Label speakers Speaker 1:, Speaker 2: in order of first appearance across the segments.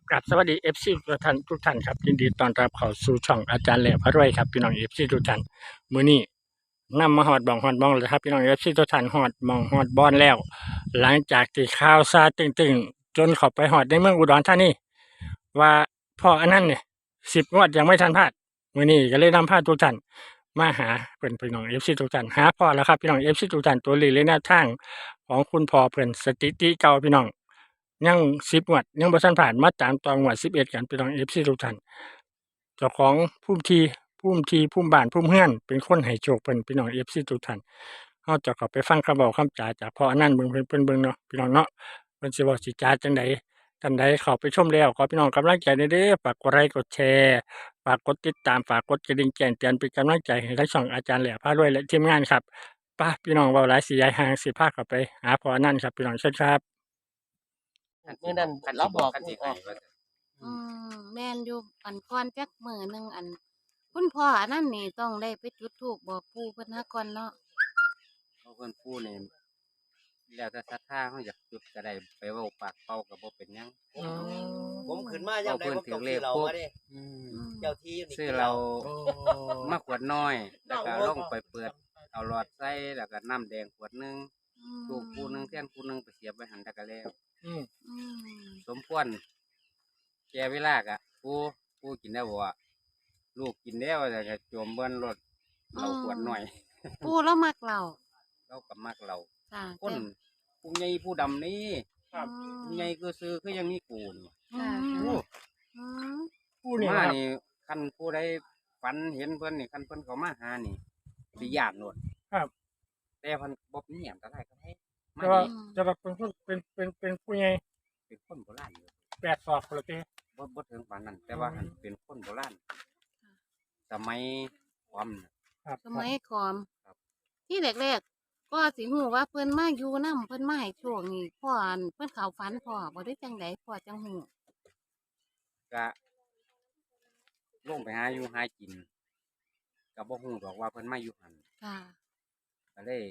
Speaker 1: กับสวัสดีFC ทุกท่านครับยินดีต้อนรับเข้าสู่ช่องอาจารย์แหล่พระรวยครับพี่น้อง FC ทุกท่านมื้อนี้นำมาฮอดบ้องแล้วครับพี่น้อง FC ทุกท่านฮอดหม้องฮอดบอนแล้วหลังจากที่ข่าวซาตึงๆจนเข้าไปฮอดในเมืองอุดรธานีว่าพ่ออันนั้นเนี่ย10 งวดยังไม่ทันพลาดมื้อนี้ก็เลยนำพาทุกท่านมาหาเพิ่นพี่น้อง FC ทุกท่านหาพ่อแล้วครับพี่น้อง FC ทุกท่านตัวเลขและแนวทางของคุณพ่อเพิ่นสถิติเก่าพี่น้อง ยัง10 งวดยังบ่ทันผ่านมาตามต่องวด11กันพี่น้อง FC ทุกท่านเจ้าของภูมิบ้านภูมิเรือนเป็นคนให้โชคเพิ่นพี่น้อง FC ทุกท่านเราจะเข้าไปฟังคำเว้าคำจาจากพ่ออนันต์เบิ่งเนาะพี่น้องเนาะเพิ่นสิเว้าสิจาจังใดท่านใดเข้าไปชมแล้วขอพี่น้องกำลังใจหน่อยเด้อฝากกดไลค์กดแชร์ฝากกดติดตามฝากกดกระดิ่งแจ้งเตือนเป็นกำลังใจให้ทั้งช่องอาจารย์แหล่พารวยและทีมงานครับไปพี่น้องเว้าหลายสิย้ายห่างสิพาเข้าไปหาพ่ออนันต์ครับพี่น้องเชิญครับ
Speaker 2: มื้อนั้น
Speaker 3: คัน
Speaker 2: เรา
Speaker 3: สิ
Speaker 2: บอก
Speaker 3: คันสิ
Speaker 2: อ
Speaker 3: ให้
Speaker 2: อก
Speaker 3: ว่าซั่น
Speaker 4: อืแม่นอยู่อันก่อนจักมื้อหนึงอันคุณพ่ออันนั้นนี่ต้องได้ไปจุดธูปบอกปู่เพิ่นหาก่อนเนาะ
Speaker 3: เพราะเพิ่นพูดนี่แล้วแต่ศรัทธาเฮาอยากจุดก็ได้ไปเว้าปากเป่าก็บ่เป็นหยัง
Speaker 2: ผมขึ้นมายามใดผมต้องซื้อเหล้ามาเด้
Speaker 3: อืม
Speaker 2: เจ้าที่อยู่นี่
Speaker 3: ซื้อเรามาขวดน้อย แล้วก็ลงไปเปิดเอาหลอดใส่แล้วก็น้ำแดงขวดหนึงลูกคู่หนึงเทียนคู่หนึงไปเสียบไว้หันแล้วก็แล้ว
Speaker 1: อืม
Speaker 4: อืม
Speaker 3: สมควรแก่เวลาก็ผู้กินได้บ่ว่าลูกกินแล้วแต่ก็จมเบิ่นรถเราขวดน้อย
Speaker 4: ปู่เรามักเรา
Speaker 3: เราก็มักเรา
Speaker 4: จ้ะ
Speaker 3: คนผู้ใหญ่ผู้ดำนี่
Speaker 1: ครับ
Speaker 3: ผู้ใหญ่คือซื้อคือยังมีกูน
Speaker 4: ค่ะ
Speaker 3: โอ้
Speaker 4: อืม
Speaker 1: ผู้นี่
Speaker 3: มา
Speaker 1: ครับ
Speaker 3: นี่คันผู้ใดฝันเห็นเพิ่นนี่คันเพิ่นเขามาหานี่สิญาติโนด
Speaker 1: ครับ
Speaker 3: แต่เพิ่นบ่มีหยังก็ได้ก็ให้มา
Speaker 1: แต่ว่า
Speaker 3: นี่
Speaker 1: จะว่าเป็นคนเป็นผู้ใหญ่
Speaker 3: เป็นคนโบราณอยู่
Speaker 1: 8 ศอกพุ่นละติ
Speaker 3: บ่ถึงปานนั้น แต่ว่าหั้นเป็นคนโบราณสมัยความน่ะ
Speaker 1: ครับ
Speaker 4: สมัยขอม
Speaker 3: ครับ
Speaker 4: ที่แรกๆก็สิฮู้ว่าเพิ่นมาอยู่นำเพิ่นมาให้โชคนี่พ่ออันเพิ่นเข้าฝันพ่อบ่ได้จังไดพ่อจังฮู้
Speaker 3: ก็ลงไปหาอยู่หากินก็บ่ฮู้ดอกว่าเพิ่นมาอยู่หั่น
Speaker 4: ค่ะ
Speaker 3: ก็เลย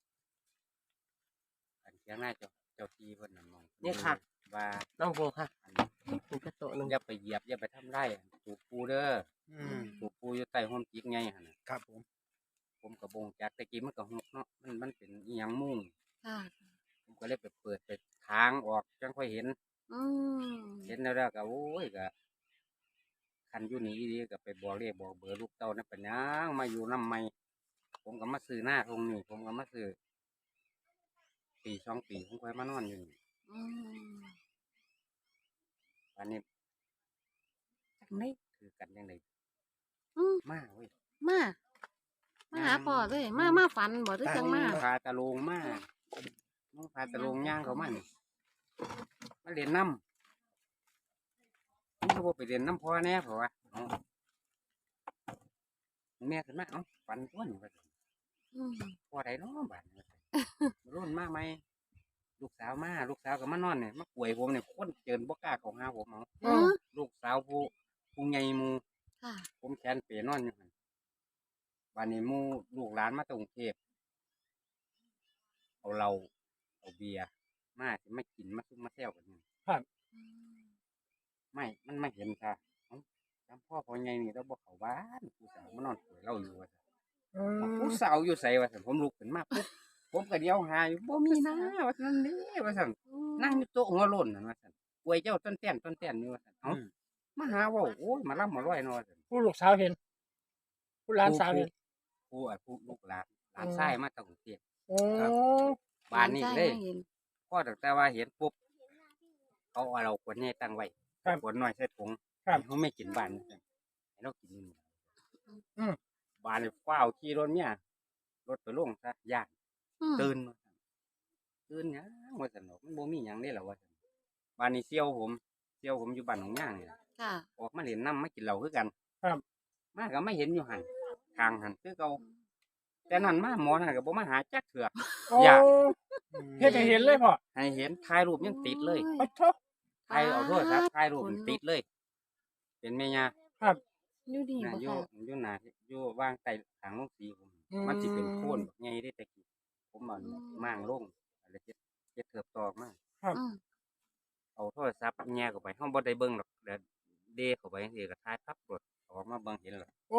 Speaker 3: อันเถียงหน้าเจ้าที่เพิ่นนั่นมอง
Speaker 2: เนี่ยค่ะ
Speaker 3: ว่า
Speaker 2: น้องโบค่ะ
Speaker 3: อัน
Speaker 2: คุณกระโตะนึง
Speaker 3: อย่าไปเหยียบอย่าไปทำไรายถูกปูเด้อถูกปูอยู่ใต้ห้อมจิกไงหั่นน่ะ
Speaker 1: ครับ
Speaker 3: ผมกับบงจากตะกี้มันก็หกเนาะมันเป็นอีหยังมุ้ง
Speaker 4: ค่ะ
Speaker 3: ผมก็เลยไปเปิดไปทางออกจังค่อยเห็น
Speaker 4: อืม
Speaker 3: เห็นแล้วก็โอ้ยก็คันอยู่นี่ดีก็ไปบอกเรียกบอกเบอร์ลูกเต้านั่นเป็นหยังมาอยู่น้ำไม่ผมก็มาซื้อหน้าตรงนี้ผมก็มาซื้อปี2 ปีผมค่อยมานอนอยู่นี่
Speaker 4: อืม
Speaker 3: วันนี้
Speaker 4: จังได๋
Speaker 3: คือกันยังไง
Speaker 4: อืม
Speaker 3: มาเว้ย
Speaker 4: มาหาพ่อเลยมาฝันบ่หรือจังมา
Speaker 3: พาตะโลงมาน้องพาตะโลงย่างเขามานี่มาเรียนน้ำผมก็บอกไปเรียนน้ำพ่อแน่เพราะว่าเอาแม่ขึ้นมาเอ้าฝันต้นว่าซั่น
Speaker 4: อืม
Speaker 3: พ่อใดเนาะบ้านว่าซั่นรุ่นมาไหมลูกสาวมาลูกสาวก็มานอนเนี่ยมาป่วยผมเนี่ยคนเจินบ่กล้าเข้าหาผมเอา
Speaker 4: เออ
Speaker 3: ลูกสาวผู้ใหญ่หมู
Speaker 4: ค่ะ
Speaker 3: ผมแขนเปนอนอยู่หั่นบ้านนี้หมูลูกหลานมาจากกรุงเทพเอาเหล้าเอาเบียร์มาสิมากินมาซุ่มมาแซวกันนี่
Speaker 4: อืม
Speaker 3: ไม่มันไม่เห็นค่ะเอ้าจำพ่อใหญ่นี่เราบ่เข้าบ้านผู้สาวมานอนป่วยเหล้าอยู่ว่าซั่น
Speaker 1: อื
Speaker 3: เอา
Speaker 1: ม
Speaker 3: ผู้สาวอยู่ไสว่าซั่นผมลุกขึ้นมาปุ๊บผมก็เดียวหาอยู่บ่มีนะว่าซั่นเด้ว่าซั่นนั่งอยู่โต๊ะหัวโล้นนั่นว่าซั่นป่วยเจ้าต้นแต้นอยู่ว่าซั่นเอ้ามาหาเว้าโอ้ยมาล่ำมาร้อยเนาะว่าซั่น
Speaker 1: ผู้ลูกสาวเห็น ผู้หลานสาวเห็น
Speaker 3: ผู้ลูกหลานชายมาจากกรุงเทพ
Speaker 1: โอ้
Speaker 3: บ้านนี้เลย
Speaker 4: ใช่ห็น
Speaker 3: พอตั้งแต่ว่าเห็นปุ๊บเขาเอาเราขวดใหญ่ตั้งไว้ขวดน้อยใส่ถุงเขาไม่กินบ้านให้เรากินนี่บ้านนี่ฟ้าวขี่รถเนี่ยรถไปลงซะย่าน
Speaker 4: อืม
Speaker 3: ตื่นว่าซั่นตื่นหยังว่าซั่นดอกมันบ่มีหยังได้หรอว่าซั่นบ้านนี้เสี่ยวผมอยู่บ้านหนองย่างนี่ล่ะ
Speaker 4: ค่ะ
Speaker 3: ออกมาเล่นน้ำมากินเหล้าคือกัน
Speaker 1: ครับ
Speaker 3: มาก็ไม่เห็นอยู่หันทางหันคือเก่าแต่นั่นมาหมอนั่นก็บ่มาหาจักเถื่อ
Speaker 1: โอ้
Speaker 3: อยาก
Speaker 1: เฮ็ดให้เห็นเลยพ่อ
Speaker 3: ให้เห็นถ่ายรูปยังติดเลย
Speaker 1: ปะโถ
Speaker 3: ถ่ายเอาโทรศัพท์ถ่ายรูปมันติดเลย เป็นแม่ย่า
Speaker 1: ครับ
Speaker 4: อยู่ดี
Speaker 3: น่ะ
Speaker 4: บ่
Speaker 3: อยู่
Speaker 4: ค่ะ
Speaker 3: อยู่หน้าอยู่วางใต้ทางลงสีผมมันสิเป็นโคนบักใหญ่ได้แต่กี้ผมเอามั่างลงอะไรเฮ็ดเถิบตอกมา
Speaker 4: อืม
Speaker 3: เอาเอาโทรศัพท์แง่เข้าไปเฮาบ่ได้เบิ่งหรอกเดี๋ยวเดเข้าไปจังซี่ก็ถ่ายปั๊บโลดออกมาเบิ่งเห็นแล้ว
Speaker 1: โอ้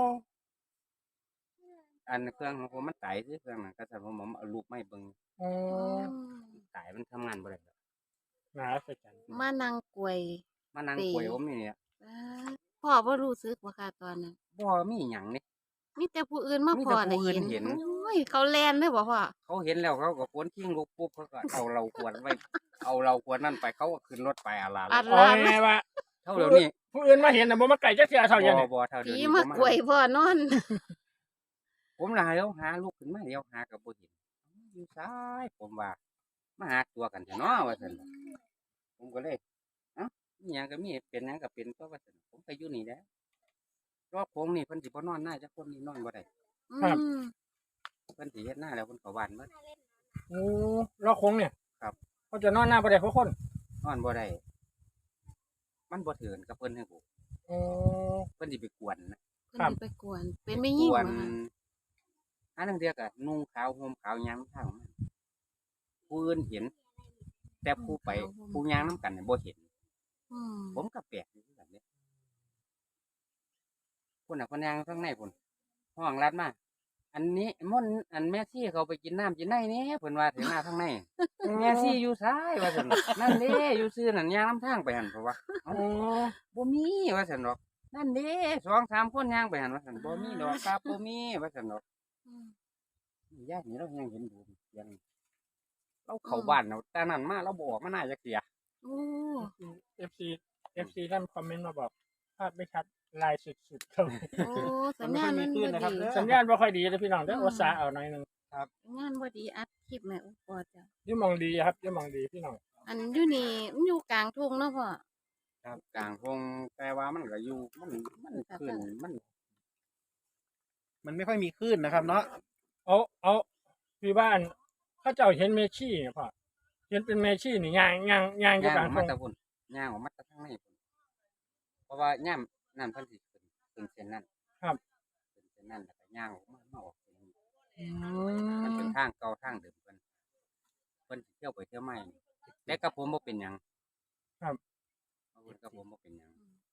Speaker 3: อันเครื่องของผมมันตายซื่อเครื่องนั้นก็ซั่นผมเอารูปมาให้เบิ่ง
Speaker 1: โอ้
Speaker 3: ตายมันทำงานบ่ได้แล้ว
Speaker 1: น่าอัศจรรย์
Speaker 4: มานั่งกวย
Speaker 3: มานั่งป่วยผมนี่เนี่ย
Speaker 4: ป๊าดพ่อบ่รู้สึกบ่ค่ะตอนนั้น
Speaker 3: บ่มีหยังนี่
Speaker 4: มีแต่ผู้อื่นมา
Speaker 3: มี
Speaker 4: พ่
Speaker 3: แต่
Speaker 4: อ
Speaker 3: ผู้
Speaker 4: ได้
Speaker 3: อื่น
Speaker 4: เห็น
Speaker 3: เห็น
Speaker 4: โอ้ยเขาแล่นเด้อบ่พ่อ
Speaker 3: เขาเห็นแล้วเขาก็ขนทิ้งลูกปุ๊บเขาก็เอาเราขวดไว้ เอาเราขวดนั่นไปเขาก็ขึ้นรถไปอาลา
Speaker 4: อัด
Speaker 1: เอา
Speaker 4: ลาด
Speaker 1: ไงว่า
Speaker 3: เท่าเดี๋ยวนี้
Speaker 1: ผู้อื่นมาเห็นน่ะบ่มาไก่จักเที่ยเท่าอย่าง
Speaker 3: บ่
Speaker 1: นี้
Speaker 3: บ่เท่าเดี๋ยว
Speaker 4: ผี
Speaker 3: นี้
Speaker 4: มากวยพ่อนอน
Speaker 3: ผมน่ะเดี๋ยวหาลูกขึ้นมาเดี๋ยวหาก็บ่เห็นอยู่ซ้ายผมว่ามาหาตัวกันเถอะเนาะว่าซั่นน่ะผมก็เลยเอ้ามีหยังก็มีเป็นหยังก็เป็นตัวว่าซั่นผมก็อยู่นี่แหละรอบโค้งนี่เพิ่นสิบ่นอนหน้าจักคนนี่นอนบ่ได้
Speaker 4: อืม
Speaker 3: เพิ่นสิเฮ็ดหน้าแล้วเพิ่นเข้าบ้านเบิด
Speaker 1: โอ้รอคงเนี่ย
Speaker 3: ครับ
Speaker 1: เขาจะนอนหน้าบ่ได้เพราะคน
Speaker 3: นอนบ่ได้มันบ่ถือนกับเพิ่นให้ผม
Speaker 1: โอ้
Speaker 3: เพิ่นสิไปกวนนะ
Speaker 4: เพิ่นสิไปกวน เป็นไม่ยิ่ง
Speaker 3: กว
Speaker 4: บ่
Speaker 3: น
Speaker 4: คะ
Speaker 3: อันนั้นเดียวก็นุ่งขาวห่มขาวยามทางมันผู้อื่นเห็น แต่ผู้ไปผู้ย่างนํกันเนี่ยบ่เห็น
Speaker 4: อืม
Speaker 3: ผมก็แปลกอยู่คือกันเด้พุ่นน่ะเพิ่นย่างข้างในพุ่นห้องลัดมาอันนี้ม่อนอันแม่ซี่เขาไปกินน้ำกินในนี่เพิ่นว่าถึงหน้าข้างในแม่ซี่อยู่ซ้ายว่าซั่นนั่นเด้อยู่ซื่อนั่นย่างนํทางไปหั่นเพราะว่า
Speaker 1: โอ้
Speaker 3: บ่มีว่าซั่นดอกนั่นเด้2-3คนย่างไปหั่นว่าซั่นบ่มีดอกครับบ่มีว่าซั่นดอก
Speaker 4: อืม
Speaker 3: ญาตินี่เรายังเห็นดูเสียงเราเข้าบ้านเราแต่นั้นมาเราบ่ออกมาหน้าจักเที่ย
Speaker 4: โอ้
Speaker 1: FC ท่านคอมเมนต์มาบอกภาพไม่ชัดลายสุดๆครับ
Speaker 4: โอ้สัญญาณมันบ่ดี
Speaker 1: สัญญาณบ่ค่อยดีเลยพี่น้องเด้ออุตส่าห์เอาหน่อยหนึง
Speaker 4: สัญญาณบ่ดีอัดคลิปแม่อุปอจ้ะ
Speaker 1: อยู่หมองดีครับอยู่หมองดีพี่น้อง
Speaker 4: อันอยู่นี่มันอยู่กลางทุ่งเนาะพ่อ
Speaker 3: ครับกลางพงแต่ว่ามันก็อยู่มันขึ้นมัน
Speaker 2: มันไม่ค่อยมีคลื่นนะครับเนาะ
Speaker 1: เอาพี่บ้านเขาเจ้าเห็นเมชี่เนี่ยพ่อเห็นเป็นเมชี่นี่ย่างอยู่
Speaker 3: ย่าง
Speaker 1: ก
Speaker 3: อ
Speaker 1: ลา
Speaker 3: อง ก
Speaker 1: ท
Speaker 3: มาง ตะพุ่นย่างออกมาตะทางในพุ่นเพราะว่าย่ามนั่นเพิ่นสิขึ้นเส้นนั้นขึ้นเส้นนั้นแล้วก็ย่างออกมาออกเส้นนี้
Speaker 1: อื
Speaker 3: มันเป็น
Speaker 1: ม
Speaker 3: ทางเก่าทางเดิมเพิ่นสิเที่ยวไปเที่ยวมานี่แต่กับผมบ่เป็นหยังเพิ่นกับผมบ่เป็นหยัง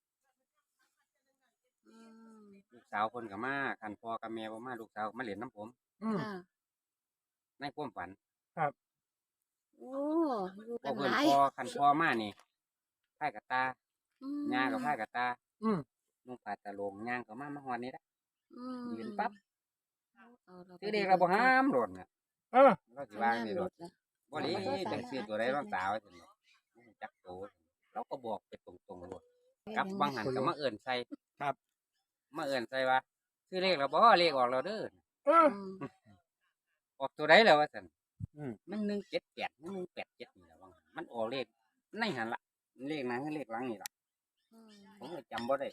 Speaker 4: อืม
Speaker 3: ลูกสาวเพิ่นก็มาคันพ่อกับแม่บ่มาลูกสาวมาเล่นน้ำผม
Speaker 1: อืม
Speaker 4: ค่ะ
Speaker 3: ในความฝัน
Speaker 4: โอ้อยู่
Speaker 3: พ
Speaker 4: กั
Speaker 3: อน เพิ่น
Speaker 4: หลาย
Speaker 3: คันพ่อมานี่พายกับตา
Speaker 4: อืม
Speaker 3: ย่างกับพายกับตา
Speaker 1: อืม
Speaker 3: นุ่งผ้าตะโลงย่างก็มาฮอดนี่ละ
Speaker 4: อืม
Speaker 3: ยืนปั๊บ
Speaker 4: เอารา
Speaker 3: ซื้อเด็กเราบ่ห้ามโดดน่ะ
Speaker 1: เออ
Speaker 3: เราสิ
Speaker 4: สัญ
Speaker 3: วาง
Speaker 4: ญาณ
Speaker 3: นี่
Speaker 4: ห
Speaker 3: โด
Speaker 4: ลุ
Speaker 3: ด
Speaker 4: ดละ
Speaker 3: บ่ดีจักซื้อตัวใดรองตาไว้ซั่นดอกมันจักโตเราก็บอกไปตรงๆโลดกลับบางหันก็มาเอิ้นใส่มาเอิ้นใส่ว่าซื้อเลขแล้วบ่เลขออกแล้วเด้อ
Speaker 1: เออ
Speaker 4: อืม
Speaker 3: ออกตัวใดแล้วว่าซั่นมัน178มัน187นี่ล่ะว่างั้นมันออกเลขในหันล่ะเลขนั้นคือเลขหลังนี่ล่ะ
Speaker 4: อืม
Speaker 3: ผมก็จำบ่ได้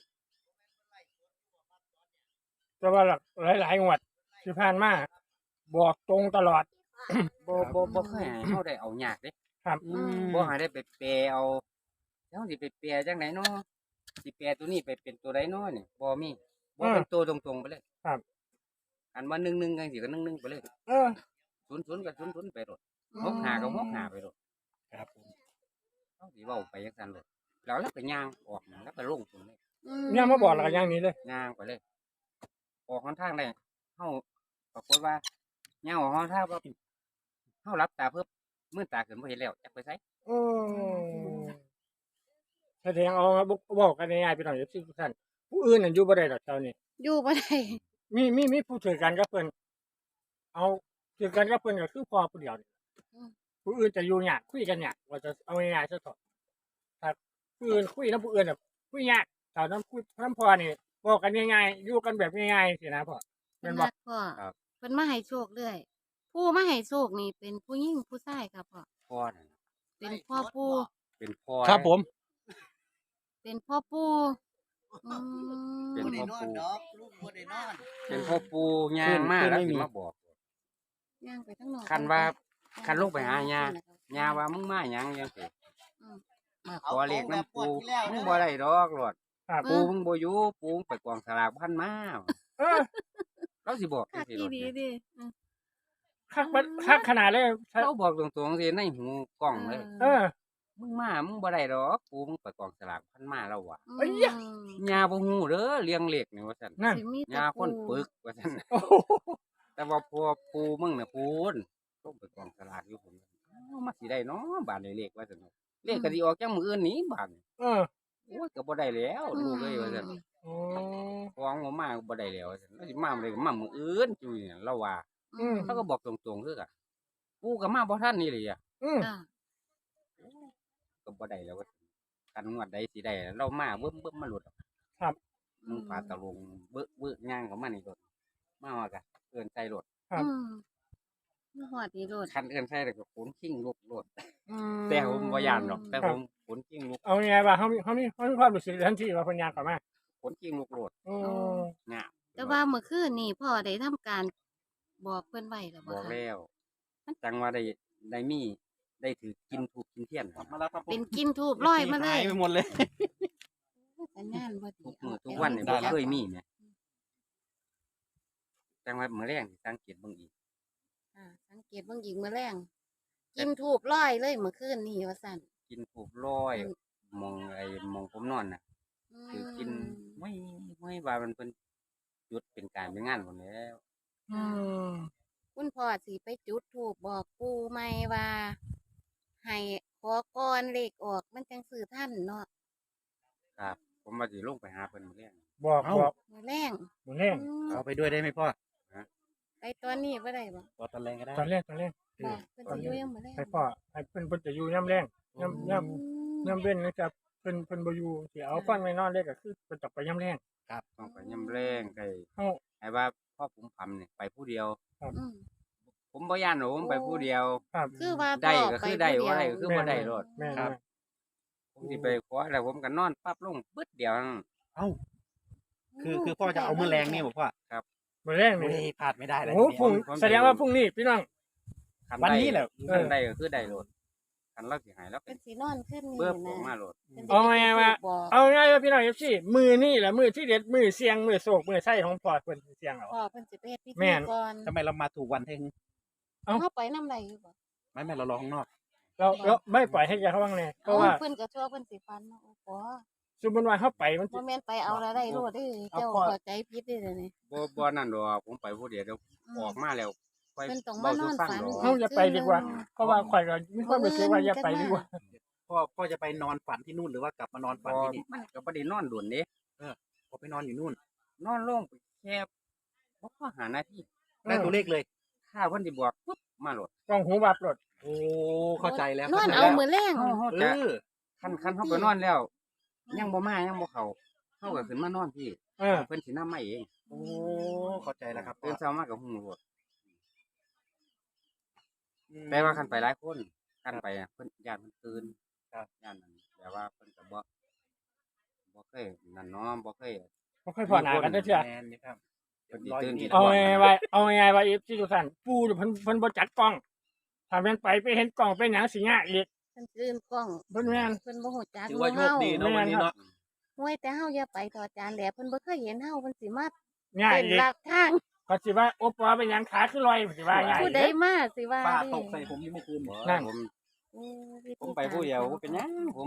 Speaker 1: แต่ว่าหลายงวดที่ผ่านมาบอกตรงตลอด
Speaker 3: บ่เคยให้เฮาได้เอายากเด้
Speaker 1: ครับ
Speaker 3: บ่ให้ได้ไปแปลเอาแล้วสิไปแปลจังไดเนาะสิแปลตัวนี้ไปเป็นตัวใดเนาะนี่บ่มีบ่เป็นตัวตรงๆไปเลย
Speaker 1: ครับ
Speaker 3: อันว่า1-1จังซี่ก็1-1ไปเลย
Speaker 1: เออ
Speaker 3: 0-0ก็0-0ไปโลด6-5ก็6-5ไปโลด
Speaker 1: ครับผม
Speaker 3: เฮาสิเว้าไปจังซั่นโลดแล้วเราก็ย่างออกแล้วก็ลงพุ่นเลย
Speaker 1: เนี่ยมาบอกแล้วก็อย่างนี้เลย
Speaker 3: ย่างไปเลย ออกหนทางได้เฮาปรากฏว่าย่างออกหนทางว่าเฮาหลับตาเพิ่มมื้อตาขึ้นบ่เห็นแล้วจักไปไส
Speaker 1: โอ้แสดงเอาบอกกันง่ายๆพี่น้องเอฟซีทุกท่านผู้อื่นน่ะอยู่บ่ได้ดอกเจ้านี่
Speaker 4: อยู่บ่ได้
Speaker 1: มีผู้ถือกันกับเพิ่นเอาถือกันกับเพิ่นก็คือพอผู้เดียวนี่ผู้อื่นจะอยู่ยากคุยกันยากว่าจะเอาง่ายๆซะเถอะครับผู้อื่นคุยนำผู้อื่นน่ะคุยยากแต่นำคุยนำพอนี่บอกกันง่ายๆอยู่กันแบบง่ายๆสินะพ่อ
Speaker 4: เพิ่
Speaker 1: แม่
Speaker 4: น
Speaker 1: นบ่
Speaker 4: รักพ่อเพิ่นมาให้โชคเรื่อยผู้มาให้โชคนี่เป็นผู้หญิงผู้ชายครับพ่อ
Speaker 3: พ่อนั่น
Speaker 4: เป็นพ่อปู่
Speaker 3: เป็นพ่อ
Speaker 1: ครับผม
Speaker 4: เป็นพ่อปู่อืม
Speaker 3: เป็น
Speaker 2: บ่ได้
Speaker 3: พ่อน
Speaker 2: อน
Speaker 3: ปู่
Speaker 2: ดอกลูกบ่ได้นอน
Speaker 3: เป็นพ่อปู่ย่างมาแล้วสิมาบอก
Speaker 4: ย่างไปทั้งนอก
Speaker 3: คันว่าคันลงไปหาย่าว่ามึงมาหยังจังซี่มาขอเลขน้ำปู่มึงบ่ได้ดอกหลอด
Speaker 1: ครับ
Speaker 3: ปู่มึงบ่อยู่ปู่มึงไปกองสลากพันมา
Speaker 1: เออ
Speaker 3: เราสิบอกจั
Speaker 4: คั
Speaker 3: ง
Speaker 4: ก
Speaker 3: ซี่
Speaker 4: อี
Speaker 3: โลด
Speaker 4: ดี
Speaker 3: เนี่ย
Speaker 4: ดิ
Speaker 1: คักขนาดเลย
Speaker 3: เราบอกตรงๆสิในหูกล้องเลย
Speaker 1: เออ
Speaker 3: มึงมามึงบ่ได้ดอกกูมึงไปกองสลากพันมาแล้วว่ะ
Speaker 1: เอ้ยยะ
Speaker 3: ยาบ่ฮู้เด้อเลี้ยงเลขนี่ว่าซั่น
Speaker 1: นั่น
Speaker 4: สิมีแต่
Speaker 3: ยาคน
Speaker 4: ปู
Speaker 3: ปึกว่าซั่น
Speaker 1: โอ้โห
Speaker 3: แต่ว่าพวกปูมึงน่ะพูนต้องไปกองสลากอยู่ผมมาสิได้เนาะบาดนี้เลขว่าซั่นเนาะเลขก็สิออกจังมื้ออื่นนี้บาดนี้
Speaker 1: เออ
Speaker 3: โอ้ยก็บ่ได้แล้วลูกเอ้ยว่าซั่น
Speaker 1: โอ้
Speaker 3: ของบ่มาก็บ่ได้แล้วว่าซั่นแล้วสิมามื้อใดก็มามื้ออื่นจุ้ยเนี่ยเราว่า
Speaker 1: อืม
Speaker 3: เขาก็บอกตรงๆคือกันปูก็มาบ่ทันนี่เลยอ่ะ
Speaker 1: อืม
Speaker 4: อ่า
Speaker 3: ก็บ่ได้แล้วว่ากันงวดใดสิได้เรามาเบิ่มๆมาหลุด มึงปาตะลงเบื้อย่างของมันนี่รถมาว่ากันเอินใส่รถ
Speaker 1: ครับ
Speaker 4: มาหอดนี่โลด
Speaker 3: คันเอินใส่แต่ก็ขนขิ้งลูกรถ
Speaker 1: อื
Speaker 3: แต่ผมบ่ยานหรอกแต่ผมขนขิ้งลูก
Speaker 1: เอาไงว่าเขามีความรู้สึกทันทีว่าเพิ่นยางเข้ามา
Speaker 3: ขนขิ้งลูกรถ
Speaker 1: โอ้
Speaker 3: งาบ
Speaker 4: แต่ว่าเมื่อคืนนี่พ่อได้ทำการบอกเพิ่นไว้แล้ว
Speaker 3: บ
Speaker 4: บ่
Speaker 3: อก
Speaker 4: คะ
Speaker 3: แล้วจังว่าได้มีได้ถือกินถูกกินเทียน
Speaker 2: กลับมาแล้วครับผม
Speaker 4: เป็นกินทูบร้อยมาเล
Speaker 2: หาย ไปหมดเลย
Speaker 4: สัญญาณบ่ดี
Speaker 3: ทุกมื้อทุกวันนี่บ่เคยมีแหมจังว่ามื้อแรงสิสังเกตเบิ่งอีก
Speaker 4: อ่าสังเกตเบิ่งอีกมื้อแรงกินทูบร้อยเลยเมื่อคืนนี่ว่าซั่น
Speaker 3: กินถูกร้อยมองผมนอนน่ะคือกินไม่ว่ามันเป็นจุดเป็นการเป็นงานหมดแล้ว
Speaker 1: อืม
Speaker 4: คุณพ่อสิไปจุดทูบบอกปู่ใหม่ว่า ให้ขอก่อนเลขออกมันจังซื้อทันเนาะ
Speaker 3: ครับ ผมว่าสิลงไปหาเพิ่นมื้อแรง
Speaker 1: บอก
Speaker 2: เอ้า
Speaker 1: บอก
Speaker 4: มื้อแรง
Speaker 1: หมุนแรง
Speaker 4: อืม
Speaker 2: เอาไปด้วยได้ไหมพ่อ
Speaker 4: ไปตอนนี้บ่ได้บ่
Speaker 2: ต่อตะแรงก็ได้
Speaker 1: ตอนแรก
Speaker 4: บ่เพิ่นสิอยู่ยังมื้อแรง
Speaker 1: ให้พ่อให้เพิ่นจะอยู่ย่ำแรงย่ำเว้นนะครับเพิ่นบ่อยู่สิเอาฟันไว้นอนเลยก็คือเพิ่นจะไปย่ำแรง
Speaker 3: ต้องไปยำแรงไ
Speaker 1: เฮา
Speaker 3: ไอ้ว่าพ่อผมพำเนี่ยไปผู้เดียว
Speaker 4: อืม
Speaker 3: ผมบ่ย่านหรอกผมไปผู้เดียว
Speaker 1: ครับ
Speaker 4: คือว่า
Speaker 3: ได้
Speaker 4: พ่อ
Speaker 3: ก็
Speaker 4: ไป
Speaker 3: คือได้
Speaker 4: ผู้
Speaker 3: บ่ได้
Speaker 4: เยว
Speaker 3: ก็คือบ่ได้รถ
Speaker 1: แม่น
Speaker 2: ครับ
Speaker 3: ผมสิไปขอแล้วผมก็นอนปั๊บลงปึ๊ดเดียวนั่น
Speaker 2: เอ้าคือพ่อจะเอามือแรงนี่บอกพ่อ
Speaker 1: มื้อแรง
Speaker 2: โอ้
Speaker 1: นี่
Speaker 2: ยพลาดไม่ได้เลย
Speaker 1: โอ้พรุ่ง
Speaker 3: ผม
Speaker 1: แสดงว่าพรุ่งนี้พี่น้อง
Speaker 3: คั
Speaker 2: วัน
Speaker 3: ได้
Speaker 2: นี้แหละ
Speaker 3: คันได้ก็คือได้รถคันเราสิหายแล้ว
Speaker 4: เป็นสีนอนขึ้นนี่
Speaker 3: เบิ่มอ
Speaker 4: นะ
Speaker 3: อกมารถ
Speaker 4: พิ่น
Speaker 1: เอาไงว่า
Speaker 4: บอก
Speaker 1: เอาง่ายว่าพี่น้อง FC มือนี่แหละมือที่เด็ดมือเสียงมือโศกมือไส้ของพ่อเพิ่นเสียงเอา
Speaker 4: พ่อเพิ่นสิไปเฮ็ดพิ
Speaker 1: แม่
Speaker 4: ธี
Speaker 1: น
Speaker 4: ก่อน
Speaker 2: ทำไมเรามาถูกวันเทง
Speaker 1: เอ้า
Speaker 4: เฮาไปนำใดอยู่บ่
Speaker 2: ไม่เรารอข้างนอก
Speaker 1: เราไม่ปล่อยให้แกเขาบ้างแน่เพราะว่า
Speaker 4: เพิ่นก็ชั่วเพิ่นสิฟันเนาะโอ้ปอ
Speaker 1: สมมุติว่าเขาไปมันสิ
Speaker 4: บ่แม่นไปเอาแล้วได้โลดเด้อเจ้าเข้าใจผิดเด้อเดี๋ยวนี้
Speaker 3: บ่นั่นดอกผมไปผู้เดียวเดี๋ยวออกมาแล้วค่อย
Speaker 4: เพิ่นต้อง
Speaker 3: เว้า
Speaker 4: มา
Speaker 3: สู่
Speaker 4: นอน
Speaker 3: ฟัง
Speaker 4: ฝัน
Speaker 3: ดอก
Speaker 1: เขาจะไปดีกว่า เพราะว่าข่อยก็มีความรู้สึกว่าอย่าไปดีกว่า
Speaker 2: พ่อจะไปนอนฝันที่นู่นหรือว่ากลับมานอนฝันที่นี่
Speaker 3: มันก็บ่ได้นอนด่วนเด้
Speaker 2: พอไปนอนอยู่นู่น
Speaker 3: นอนลงไปแค่บ่พอหานาที
Speaker 2: ได้ตัวเลขเลย
Speaker 3: ถ้าเพิ่นสิบอกปุ๊บมารถ
Speaker 1: กล้องหูบับรถ
Speaker 2: โอ้เข้าใจแล้ว
Speaker 4: นอน
Speaker 2: ข้ใจ
Speaker 4: เอา
Speaker 2: แล้ว
Speaker 4: มื้อแรง
Speaker 3: เฮา
Speaker 2: เอ
Speaker 3: จะ
Speaker 2: อ
Speaker 3: คันเฮาไปนอนแล้ว ยังบ่มายังบ่เข้าเฮาก็ขึ้นมานอนพี่
Speaker 1: เออ
Speaker 3: เพิ่นสินำมาเอง
Speaker 2: โอ้เข้าใจแล้วครับพ่
Speaker 3: ตื่
Speaker 2: อน
Speaker 3: เช้ามาก็ฮู้รถแต่ว่าคันไปหลายคนคันไปอะเพิ่นญาติเพิ่นตื่นครับญาตินั้นแต่ว่าเพิ่นก็บ่เคยนั่นเนาะบ่เคย
Speaker 1: บ่ค่อยพอหน้ากันเด้อเชื่อ
Speaker 2: แมนนี่ครับ
Speaker 3: เพิ่นสิตื่นที่
Speaker 1: เอาไงว่าเอาไงว่าอีฟที่ทุกท่านปู่เพิ่นบ่จัดกล้องถ้าแม่นไปเห็นกล้องเป็นหยังสิยากอีก
Speaker 4: เพิ่นลืมกล้อง
Speaker 1: เพิ่นแม่น
Speaker 4: เพิ่นบ่ฮู้จัก
Speaker 2: ถือว่าโชคดีเนาะวันนี้เนาะ
Speaker 4: ห้วยแต่เฮาอย่าไปต่อจานแหลเพิ่นบ่เคยเห็นเฮาเพิ่นสิมา
Speaker 1: ง่าย
Speaker 4: เป็น
Speaker 1: อีก
Speaker 4: หลักทาง
Speaker 1: ก็สิว่าโอปอเป็นหยังขาคือลอยสิว่าง่าย
Speaker 4: ผู้
Speaker 1: อีก
Speaker 4: ใด
Speaker 1: เด้อ
Speaker 4: มาสิว่า
Speaker 2: ป้า
Speaker 4: ดิ
Speaker 2: ตกใส่ผมนี่เมื่อคืน
Speaker 3: บ่
Speaker 1: นั่น
Speaker 4: โอ้วิธี
Speaker 3: ผมไปผู้เดียวบ่เป็นหยังผม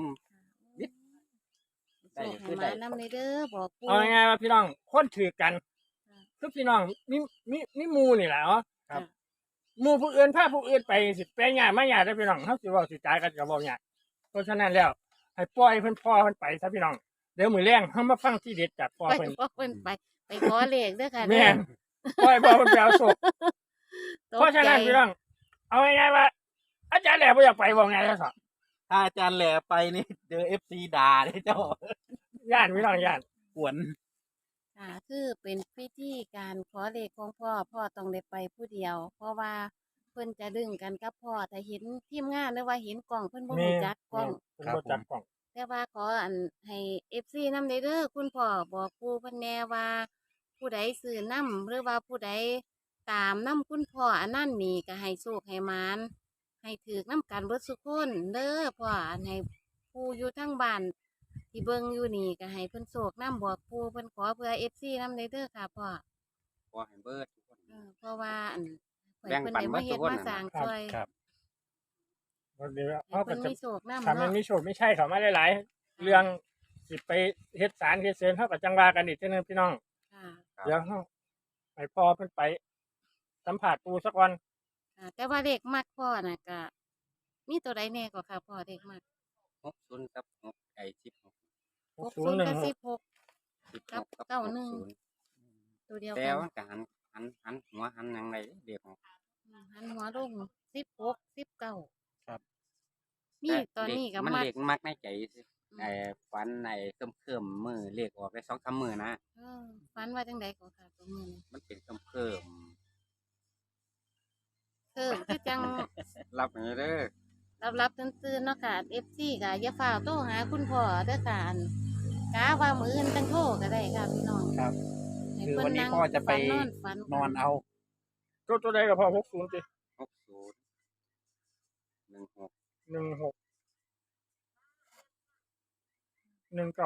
Speaker 3: ได้
Speaker 4: ได้
Speaker 3: คื
Speaker 4: คือ อ
Speaker 3: ได้
Speaker 4: ได้นำเลยเด้อบอกปู่
Speaker 1: เอาไงว่าพี่น้องคนถือกันคือพี่น้องมีหมู่นี่แหละเนาะ
Speaker 4: ครับ
Speaker 1: หมู่ผู้อื่นพาผู้อื่นไปสิไปยากมาหยากเด้อพี่น้องเฮาสิเว้าสิจ่ายกันก็บ่ยากเพราะฉะนั้นแล้วให้ปล่อยเพิ่นพอเพิ่นไปซะพี่น้องเดี๋ยวมื้อแลงเฮามาฟังที่เด็ดจากพ่อ
Speaker 4: ไป
Speaker 1: เพิ่น
Speaker 4: บอกเพิ่นไปขอเลขเด้อค่ะ
Speaker 1: แม่นปล่อยพ่อเพิ่นไปเอาโศก
Speaker 4: ตก
Speaker 1: เพราะฉะนั้น
Speaker 4: ใจ
Speaker 1: พี่น้องเอาง่ายๆว่า อาจารย์แหล่บ่อยากไปบ่ไงแล้วสอ
Speaker 2: ถ้าอาจารย์แหล่ไปนี่เจอ FC ด่าเลยเจ้า
Speaker 1: ย่านพี่น้องย่าน
Speaker 2: กวน
Speaker 4: ค่ะคือเป็นพิธีการขอเลขของพ่อต้องได้ไปผู้เดียว เพราะว่าเพิ่นจะดึงกันกับพ่อแต่เห็นทีมงานหรือว่าเห็นกล้องเพิ่นบ่รู้จักกล้อง
Speaker 1: เพิ่นบ่จัดกล้อง
Speaker 4: แต่ว่าขออันให้ FC นำได้เด้อคุณพ่อบอกปู่เพิ่นแน่ว่า ผู้ใดซื้อนำหรือว่าผู้ใดตามนำคุณพ่ออันนั้นนี่ก็ให้โชคให้หมานให้ถือนำกันเบิดทุกคนเด้อพ่ออันให้ผู้อยู่ทั้งบ้านที่เบิ่งอยู่นี่ก็ให้เพิ่นโชคนำบอกปู่เพิ่นขอเพื่อ FC นำได้เด้อค่ะพ่อ
Speaker 3: ขอให้เบิดทุกคน
Speaker 4: เพราะว่าอันข่อย
Speaker 3: แบ่ง
Speaker 4: เพิ่น
Speaker 3: ปัน
Speaker 4: ได้
Speaker 3: เบิ
Speaker 4: มา
Speaker 3: ด
Speaker 4: เฮ็ด
Speaker 3: ทุกคน
Speaker 4: มา
Speaker 3: น่ะ
Speaker 4: สร้าง
Speaker 1: ครับ
Speaker 4: ช่วย
Speaker 2: ครับ
Speaker 1: บ่เดี๋ยว
Speaker 4: ให้
Speaker 1: เขาก็
Speaker 4: เพิ่น
Speaker 1: จะ
Speaker 4: มีโชคนำ
Speaker 1: ถ้ามัน
Speaker 4: เนาะ
Speaker 1: มีโชคไม่ใช่เขามาหลายๆเรื่องสิไปเฮ็ดสารเฮ็ดเสริมเฮาก็จังว่ากันอีกเทื่อนึงพี่น้อง
Speaker 4: ค่ะ
Speaker 1: เดี๋ยวเฮาให้พ่อเพิ่นไปสัมภาษณ์ปู่ซะก่อน
Speaker 4: ค่ะ แต่ว่าเลขมักพ่อน่ะก็มีตัวใดแน่กว่าค่ะพ่อเลขมัก
Speaker 3: 60กับ6ไอ้16
Speaker 4: 60กับ
Speaker 1: 6016
Speaker 4: 16
Speaker 3: 16กับ
Speaker 4: เก้าหนึ่ง
Speaker 3: 60
Speaker 4: ตัวเดียว
Speaker 3: แต่
Speaker 4: กัน
Speaker 3: มันก็หันหัวหันหยังไงเด็กของ
Speaker 4: หันหัวลง16 19
Speaker 2: ครับ
Speaker 4: มีตอนนี้ก็
Speaker 3: มัน
Speaker 4: มัก
Speaker 3: เด็กมักในใจซื่อไอ้ฝันไอ้เคิ่มๆมือเลขออกได้2-3มื้อนะ
Speaker 4: เออฝันว่าจังไดก็ค่ะตัวมื้อนี้
Speaker 3: มันเป็นเคิ่ม
Speaker 4: คือจัง
Speaker 3: ๆรับอย่างนี้เด้อ
Speaker 4: รับตื่นๆเนาะค่ะ FC ก็อย่าฟ้าวโทรหาคุณพ่อเด้อค่ะอันกะว่ามื้ออื่นจังโทรก็ได้ค่ะพี่น้อง
Speaker 2: ครับ
Speaker 4: ให้
Speaker 2: คือ
Speaker 4: เพิ่
Speaker 2: วันนี้
Speaker 4: นั่ง
Speaker 2: พ่อจะไป
Speaker 4: ฝัน
Speaker 2: นอนเอา
Speaker 1: ตัวใดก็พอ60ติ
Speaker 3: 60 16
Speaker 1: 16 19บ่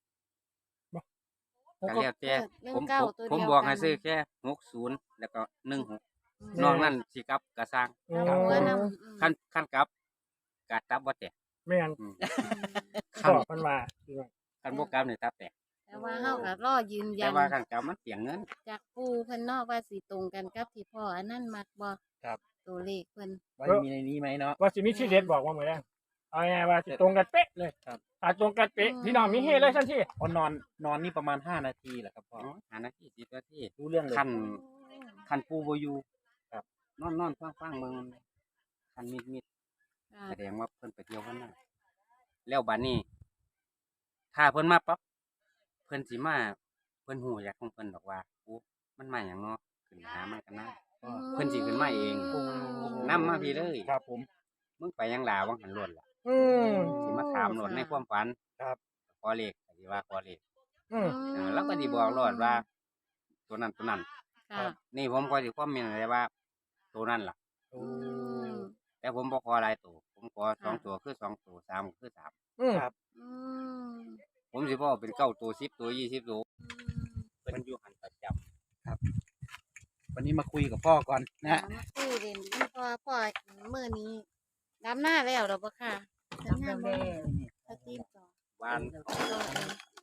Speaker 3: ก็แล้วแต่
Speaker 4: เรื่อง
Speaker 3: ผม
Speaker 4: เก้าตัว
Speaker 3: ผม
Speaker 4: เดียว
Speaker 3: บอก
Speaker 4: กั
Speaker 3: ให้
Speaker 4: น
Speaker 3: ซื้อแค่60แล้วก็16
Speaker 4: อืม
Speaker 3: นอกนั้นสิกลับก็สร้าง
Speaker 1: อื
Speaker 4: เอาหัว
Speaker 1: ม
Speaker 4: นำ
Speaker 3: คันกลับก็ตับบ่แตก
Speaker 1: แม่น
Speaker 3: อืม
Speaker 1: พ่
Speaker 3: คั
Speaker 1: อน เพิ่นว่าพี่น้อง
Speaker 3: คันบ่กลับนี่ตับแตก
Speaker 4: แต่ว่าเฮาก็รอยืนยั
Speaker 3: แต่
Speaker 4: น
Speaker 3: ว่าคันกลับมันเปลียงเงิน
Speaker 4: จากปู่เพิ่นเนาะว่าสิตรงกันกับที่พ่ออันนั้นมักบ่
Speaker 2: ครับ
Speaker 4: ตัวเลขเพิ่น
Speaker 2: ว่ามีในนี้ไหมเนาะ
Speaker 1: ว่าสิมีที่เด็ดบอกว่ามื้อแลงเอาง่ายๆว่าสิตรงกันเป๊ะเลย
Speaker 2: ครับ
Speaker 1: ถ้าตรงกันเป๊ะพี่น้องมีเฮเลยทันที
Speaker 2: พอนอนนี่ประมาณ5 นาทีแหละครับพ่อ
Speaker 3: 5 นาที10 นาที
Speaker 2: รู้เรื่องเลย
Speaker 3: คันปูบ่อยู่ครับนอนฟังเบิ่งคันมิด
Speaker 4: ค่ะ
Speaker 3: แสดงว่าเพิ่นไปเที่ยวกันนั่นแล้วบัดนี้ ถ้าเพิ่นมาปั๊บเพิ่นสิมาเพิ่นฮู้อยากของเพิ่นดอกว่าโอ้มันมาหยังเนาะขึ้นหามันกันนะ เพิ่นสิขึ้นมาเอง นำมาพี่เลย
Speaker 2: ครับผม
Speaker 3: มึงไปหยังลาวังหันล้วนล่ะ
Speaker 1: อืม
Speaker 3: สิมาถามโลดในความฝัน
Speaker 2: ครับ
Speaker 3: ขอเลขก็สิว่าขอเลข
Speaker 1: อืม
Speaker 3: แล้วก็สิบอกโลดว่า ตัวนั้น
Speaker 4: ค่ะ
Speaker 3: นี่ผมก็สิคอมเมนต์เลยว่า ตัวนั้นล่ะ
Speaker 2: โอ้
Speaker 4: อืม
Speaker 3: แต่ผมบ่ขอหลายตัวผมขอ
Speaker 4: ค่ะ
Speaker 3: 2ตัวคือ2ตัว3คือ3
Speaker 1: อืม
Speaker 2: ครับ
Speaker 4: อืม
Speaker 3: ผมสิบ่เอาเป็น9ตัว10ตัว20ตัวมันอยู่หันประจำ
Speaker 2: วันนี้มาคุยกับพ่อก่อนนะ
Speaker 4: มาคุยเล่นพ่อมื้อนี้ดำหน้าแล้วดอกบ่ค่ะดำหน้าบ่สตรีมต่อ
Speaker 3: บ้าน
Speaker 4: ต่อเอง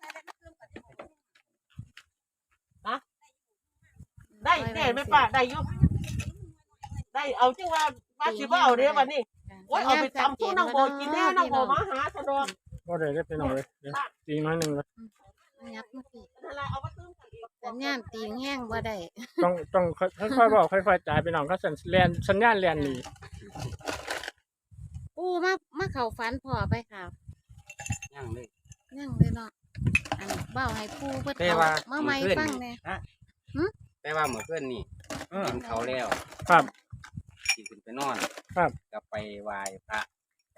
Speaker 5: ได้แน่ไหมป้าได้อยุได้เอาจังว่าสิบ่เอาเด้อบัดนี้โอ้ยเอาไปตำสู้นางโบกินแน่นางโบมาหาสะดวก
Speaker 1: บ่ได้พี่น้องเลยเดี๋ยวตีน้อยหนึงนะ
Speaker 4: ยับมาสิ
Speaker 5: นั่นล่ะเอามาตื้มกันอีก
Speaker 4: สัญญาณตีแห้งบ่ได้
Speaker 1: ต้องค่อยๆบอกค่อยๆจ่ายพี่น้องก็สัญญาณแล่นหนี
Speaker 4: ปู่มาเข้าฝันพ่อไปค่ะ
Speaker 3: ยังเลย
Speaker 4: ยังเลยเนาะอันเบ้าให้ปู่เพิ่น
Speaker 3: แต่
Speaker 4: เอา
Speaker 3: ว่า
Speaker 4: มาใหม่
Speaker 3: เพื่อน
Speaker 4: ฟัง
Speaker 3: นี่
Speaker 4: แหน่
Speaker 3: แต่ว่าเมื่อคืนนี่
Speaker 2: เออ
Speaker 3: กินเขาวแล้ว
Speaker 1: ครับ
Speaker 3: สิขึ้นไปนอน
Speaker 1: ครับ
Speaker 3: ก็ไปไหว้พระไป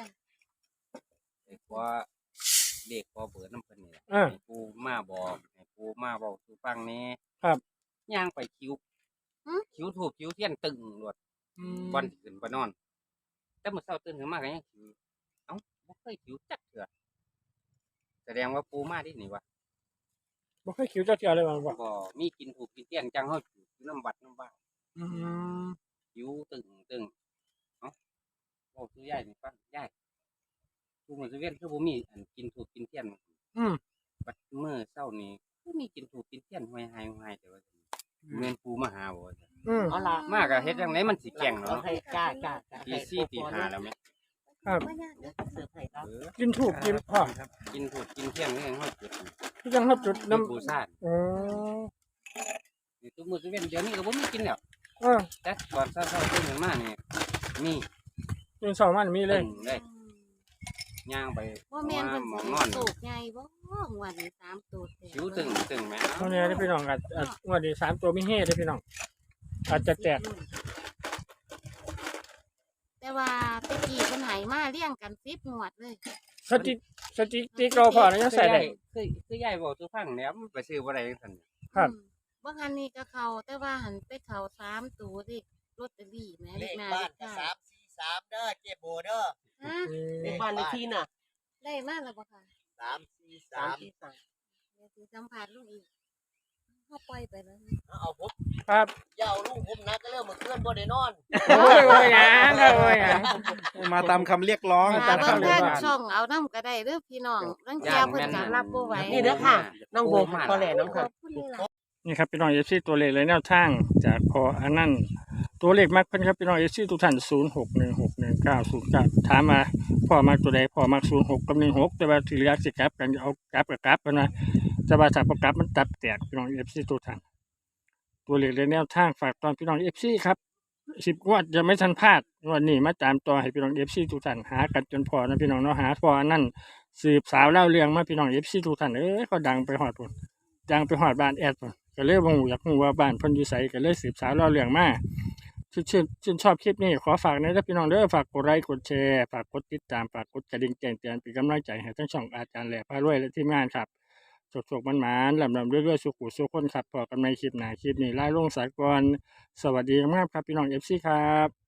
Speaker 3: ขอเลขขอเบอร์น้ำเพิ่นนี่ล่ะ ให้ปูมาบอกให้ปูมาบอกสู่ฟังแหนี้
Speaker 1: ครับ
Speaker 3: ย่างไปคิวถูกคิวเทียนตึงรวดก่อนสิขึ้นไปนอน แต่เมื่อเช้าตื่นขึ้นมาก็ยังคิวเอ้าบ่เคยคิวจักเทื่อแสดงว่าปูมาที่นี่วะ
Speaker 1: บ่เคยคิวจักเทื่อเลยว่าบ่
Speaker 3: บ่มีกินถูกกินเทียนจังเฮาอยู่น้ำวัดน้ำบ้าน
Speaker 1: อืม
Speaker 3: คิวตึงเอ้าบอกคือยายนี่ฟังยายทุกมื้อซุเว้นคือบ่มีอันกินถูกกินเทียน
Speaker 1: อืม
Speaker 3: บัดมื้อเช้านี้คือมีกินถูกกินเทียนห้อยหายห้อยแต่ว่าแม่นปูมาหาบ่ว่าซั่น
Speaker 1: อืม
Speaker 5: เอาล่ะ
Speaker 3: มาก็เฮ็ดจังไดมันสิแกล้ง
Speaker 5: เอา
Speaker 3: เนาะ
Speaker 5: ให้จ้า
Speaker 3: ตีสี่ตีห้าแล้วไหม
Speaker 1: ครับ
Speaker 5: เสิร์ฟให้ครับ
Speaker 3: เออ
Speaker 1: กินถูกกินพ่อ
Speaker 3: กินถูกกินเที่ยงนี่ยังห้อยจุด
Speaker 1: ที่จังรับจุด
Speaker 3: น้ำ
Speaker 1: น้ำ
Speaker 3: ปูซาน
Speaker 1: อ๋อ
Speaker 3: นี่ตัวมือตัวเว้นเดี๋ยวนี้ก็บ่มีกินแล้ว
Speaker 1: เออ
Speaker 3: แต่ก่อนเช้าๆตื่นขึ้นมานี่มี
Speaker 1: กินสองมันมีเลย
Speaker 3: ตึงเลยย่างไป
Speaker 4: บ่แม่นเพิ่น
Speaker 3: หม
Speaker 4: สิ
Speaker 3: องนอน
Speaker 4: สูกใหญ่บ่งวดนี้3ตัวแตก
Speaker 3: คิ้วตึงแม่
Speaker 1: ตรงนี้ได้พี่น้องอาจงวดนี้3ตัวมีเฮได้พี่น้องอาจจะแตก
Speaker 4: แต่ว่าตะกี้เพิ่นให้มาเรียงกัน10งวดเลย
Speaker 1: สติกเราพอแล้วยังใส่ได้
Speaker 3: คือยายบอกตัวฟังเนี่ยมันไปซื้อบ่ได้จังซั่น
Speaker 1: ครับ
Speaker 4: บ่คันนี้ก็เข้าแต่ว่าหันไปเข้า3ตัวเลขลอตเตอรี่แหม่
Speaker 6: เล
Speaker 4: เลข
Speaker 6: ข
Speaker 4: หน้า
Speaker 6: บ้า
Speaker 4: เล
Speaker 6: น
Speaker 4: ข
Speaker 6: ก็
Speaker 4: ท้าย
Speaker 6: 343เด้อเจ๊โบเด้อ
Speaker 4: ฮะ
Speaker 5: ในบ้านเลขที่น่ะ
Speaker 4: ได้มาแล้วบ่ค่ะ
Speaker 6: 343
Speaker 5: 343
Speaker 4: เดี๋ยวสิสัมภาษณ์ลูกอีกเฮาปล่อยไปแล้ว
Speaker 6: เอาผม
Speaker 1: ครับ
Speaker 6: อย่าเอาลุงผมนะก็เริ่มมาเคลื่อนบ่ได้นอน
Speaker 1: โอ้ยโอ้ยหยังครับโอ้ยหยัง
Speaker 2: มาตามคำเรียกร้อง
Speaker 1: มา
Speaker 4: หา
Speaker 1: ตาม
Speaker 4: เบิ่ง
Speaker 1: คำเรียก
Speaker 4: ทาง
Speaker 1: ร้อง
Speaker 4: ช่องเอานำก็ได้เด้อพี่น้องรังเที่ยเพิ่นก็รับบ่ไหว
Speaker 5: นี่เด้อค่ะ น้องโบพอแหล่น้อง
Speaker 4: ข
Speaker 5: ค่ะ
Speaker 4: อบคุณหลาย
Speaker 1: นี่ครับพี่น้องเอฟซีตัวเลขเลยแนวทางจากพออันนั้นตัวเลขมักเพิ่นครับพี่น้องเอฟซีทุกท่าน06161909ถามมาพ่อมักตัวใดพ่อมัก06กับ16แต่ว่าที่เหลือสิกลับกันเอากลับกับกลับกันนะแต่ว่าถ้าบ่กลับมันตัดแตกพี่น้องเอฟซีทุกท่านตัวเลขเลยแนวทางฝากตอนพี่น้องเอฟซีครับ10งวดจะไม่ทันพลาดงวันนี้มาตามต่อให้พี่น้องเอฟซีทุกท่านหากันจนพอนะพี่น้องเนาะหาพออันนั้นสืบสาวเล่าเรื่องมาพี่น้องเอฟซีทุกท่านเขาดังไปฮอดพุ่นดังไปฮอดบ้านแอดพุ่น ก็เลยบ่ฮู้อยากฮู้ว่าบ้านเพิ่นอยู่ไสก็เลยสืบสาวเล่าเรื่องมาชื่นชอบคลิปนี้ขอฝากในเด้อพี่น้องเด้อฝากกดไลค์กดแชร์ฝากกดติดตามฝากกดกระดิ่งแจ้งเตือนเป็นกำลังใจให้ทั้งช่องอาจารย์แหล่พารวยและทีมงานครับสุขๆมันๆลำๆรวยๆสุขุสุขคนครับพอกันในคลิปหน้าคลิปนี้ลาลงสากลสวัสดีมากครับพี่น้อง FC ครับ